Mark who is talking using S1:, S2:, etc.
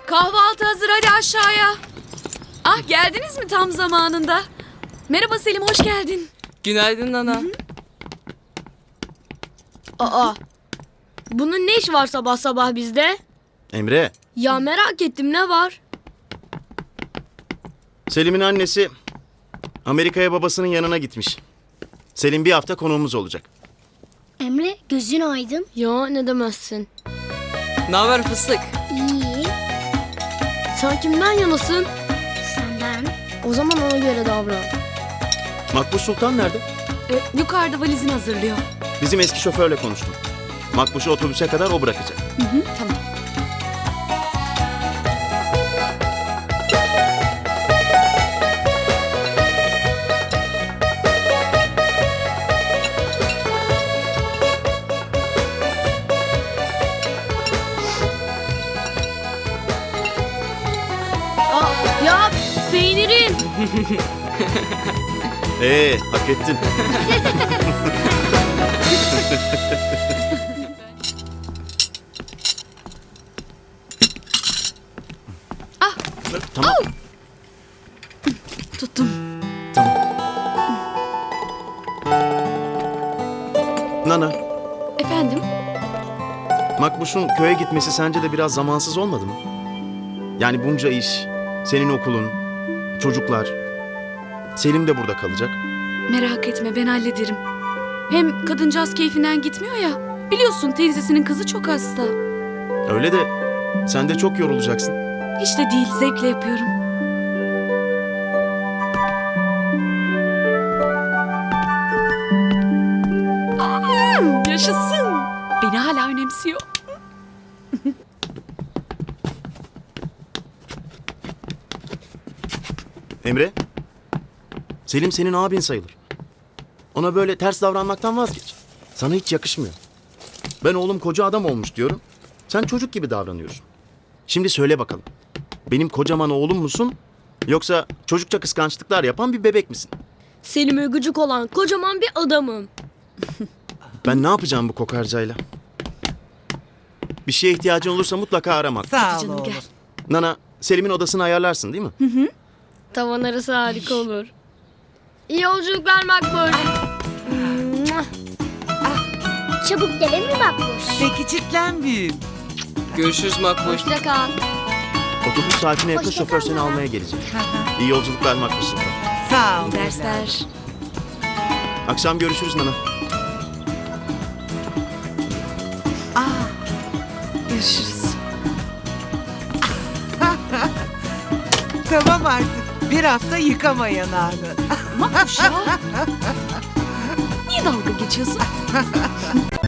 S1: Kahvaltı hazır, hadi aşağıya. Ah, geldiniz mi tam zamanında? Merhaba Selim, hoş geldin.
S2: Günaydın Nana.
S3: Aa, bunun ne iş var sabah sabah bizde?
S4: Emre,
S3: Ya merak ettim, ne var?
S4: Selim'in annesi Amerika'ya babasının yanına gitmiş. Selim bir hafta konuğumuz olacak.
S5: Emre gözün aydın.
S3: Ya ne demezsin.
S2: Ne haber fıstık?
S5: İyi.
S3: Sen kimden yanasın?
S5: Senden.
S3: O zaman ona göre davran.
S4: Makbuş Sultan nerede?
S1: Yukarıda valizini hazırlıyor.
S4: Bizim eski şoförle konuştum. Makbuş'u otobüse kadar o bırakacak.
S1: Tamam.
S3: Aa, ya peynirim.
S4: Hak ettin. Tamam.
S1: Tuttum.
S4: Tamam. Nana,
S1: Efendim?
S4: Makbuş'un köye gitmesi sence de biraz zamansız olmadı mı? Yani bunca iş, senin okulun, çocuklar. Selim de burada kalacak.
S1: Merak etme, ben hallederim. Hem kadıncağız keyfinden gitmiyor ya. Biliyorsun teyzesinin kızı çok hasta.
S4: Öyle de sen de çok yorulacaksın.
S1: Hiç de değil, zevkle yapıyorum. Yaşasın. Beni hala önemsiyor.
S4: Emre, Selim senin abin sayılır. Ona böyle ters davranmaktan vazgeç. Sana hiç yakışmıyor. Ben oğlum koca adam olmuş diyorum. Sen çocuk gibi davranıyorsun. Şimdi söyle bakalım. Benim kocaman oğlum musun? Yoksa çocukça kıskançlıklar yapan bir bebek misin?
S3: Selim'e gıcık olan kocaman bir adamım.
S4: Ben ne yapacağım bu kokarcayla? Bir şeye ihtiyacın olursa mutlaka aramak.
S6: Sağ ol
S1: Canım
S6: oğlum.
S1: gel.
S4: Nana, Selim'in odasını ayarlarsın değil mi?
S3: Tavan arası harika olur. İyi yolculuklar Makbul.
S5: Çabuk gelir mi Makbuş?
S6: Peki çitlenmeyeyim.
S2: Görüşürüz Makbuş.
S3: Hoşça kal.
S4: Otobüs saatine yakın
S5: Hoşça
S4: şoför
S5: kal
S4: seni
S5: Nana.
S4: almaya gelecek. İyi yolculuklar Makbul Sultan.
S6: Sağ ol.
S1: Dersler.
S4: Akşam görüşürüz Nana.
S1: Görüşürüz.
S6: Tamam artık. Bir hafta yıkama yanağını.
S1: Makbuş ya. Niye dalga geçiyorsun?